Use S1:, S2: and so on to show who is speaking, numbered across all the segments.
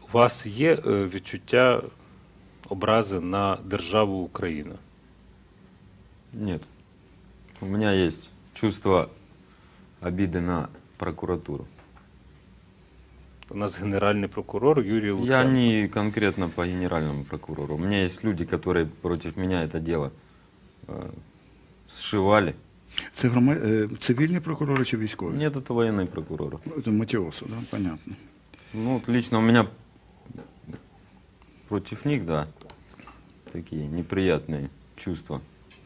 S1: У вас є відчуття образи на державу Україна?
S2: Нет. У меня есть чувство обиды на прокуратуру.
S1: У нас генеральний прокурор Юрій
S2: Я
S1: Луценко.
S2: не конкретно по генеральному прокурору. У меня есть люди, которые против меня это дело сшивали.
S3: Це цивільні прокурори чи військові?
S2: Нет, это военный прокурор.
S3: Це Матіосу, да? Понятно.
S2: Ну, вот лично у меня против них, да, такие неприятные чувства.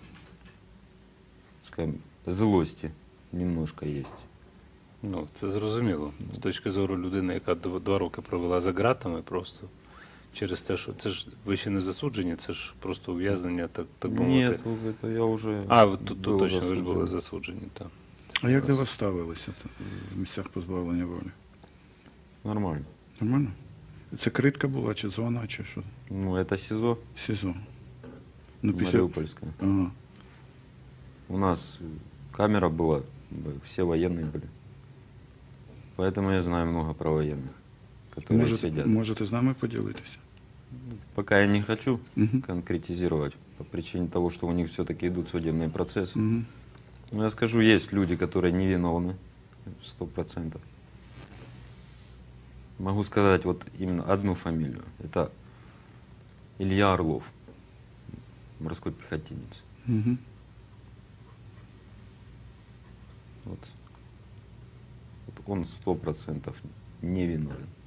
S2: Скажем, злости немножко есть.
S1: Ну, це зрозуміло. З точки зору людини, яка 2 роки провела за ґратами просто через те, що це ж ви ще не засуджені, це ж просто ув'язнення, так би мовити.
S2: Нет, это я уже
S1: А, тут
S2: был
S1: точно ви ж
S2: засуджен.
S1: були засуджені, так.
S3: А як до вас ставилися в місцях позбавлення волі?
S2: Нормально.
S3: Нормально? Це критка була, чи зона, чи що?
S2: Ну, это СИЗО
S3: СІЗО. Ну,
S2: Мариупольское.
S3: Ага.
S2: У нас камера была, все военные были. Поэтому я знаю много про военных, которые сидят.
S3: Можете з нами поділитися?
S2: Пока я не хочу
S3: Мгм.
S2: конкретизировать по причине того, что у них все-таки идут судебные процессы.
S3: Мгм.
S2: Но я скажу, есть люди, которые невиновны, 100%. Могу сказать вот именно одну фамилию. Это Илья Орлов, морской пехотинец.
S3: Мгм.
S2: Вот он 100% невиновен.